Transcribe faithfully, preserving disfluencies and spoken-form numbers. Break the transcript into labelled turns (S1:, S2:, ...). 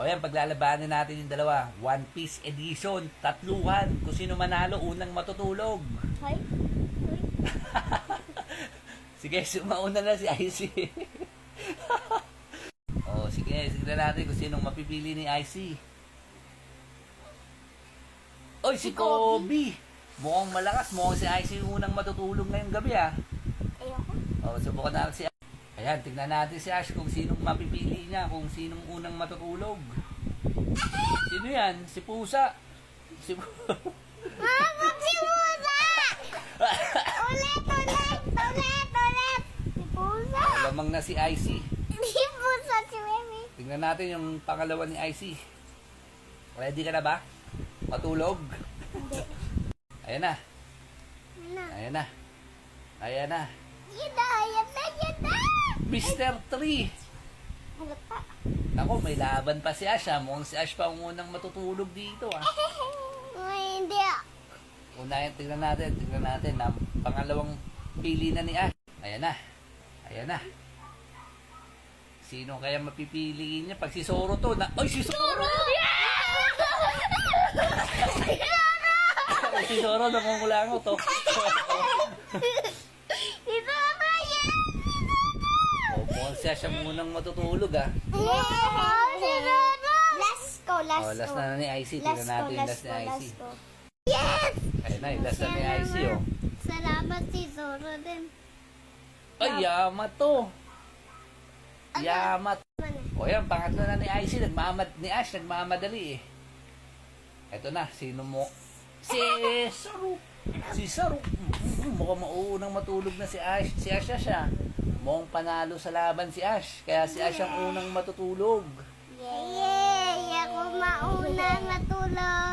S1: O yan, paglalabanan natin yung dalawa. One Piece Edition, tatluhan. Kung sino manalo, unang matutulog.
S2: Hoy. Hoy.
S1: Sige, sumauna na si Icy. O, sige, sige natin kung sinong mapipili ni Icy. Oy, si
S2: Si Kobe.
S1: Kobe. Mukhang malakas. Mukhang si Icy yung unang matutulog ngayong gabi, ah.
S2: Ayoko.
S1: O, subukan natin si Ash. Ayan, tignan natin si Ash kung sinong mapipili niya, kung sinong unang matutulog. Sino yan? Si Pusa. Si Pusa.
S2: Mama, si Pusa! Ulit, ulit, ulit, ulit. Si Pusa.
S1: Lamang na si Icy.
S2: Si Pusa, si Mimi.
S1: Tignan natin yung pangalawa ni Icy. Ready ka na ba? Matulog?
S2: Hindi.
S1: Ayan na.
S2: Ano?
S1: Ayan na. Ayan na.
S2: Yun na, yun na, yun na.
S1: mister three.
S2: Halata.
S1: Ako, may laban pa si Ash, ha? Mukhang si Ash pa ang unang matutulog dito, ha?
S2: Ay, hindi ah.
S1: Unahin, tignan natin, tignan natin. Na, pangalawang pili na ni Ash. Ayan na. Ayan na. Sino kaya mapipiliin niya? Pag si Zoro to, na... Ay, si Zoro! Si Zoro, nakungulango to.
S2: Ito na yan.
S1: O, mukhang siya siya munang matutulog, ha?
S2: Last ko, last
S1: O, last
S2: ko.
S1: na na ni Icy.
S2: Last
S1: Tignan
S2: ko,
S1: natin yung
S2: last
S1: last
S2: ko,
S1: ni Icy.
S2: last ko. Yes!
S1: Ayan na, yung last na ni Icy, oh.
S2: Salamat si Zoro din.
S1: Ay, Yamato.
S2: Ano?
S1: Yamat.
S2: Ano?
S1: O yan, pangatlo na ni Icy. Nagmamad, ni Ash, nagmamadali, eh. Eto na, sino mo? Si Saru. Si Saru. Mm, mukhang mauunang matulog na si Ash. Si Ash na siya. Mukhang panalo sa laban si Ash. Kaya si Ash ang unang matutulog.
S2: Yay! Ako mauna matulog.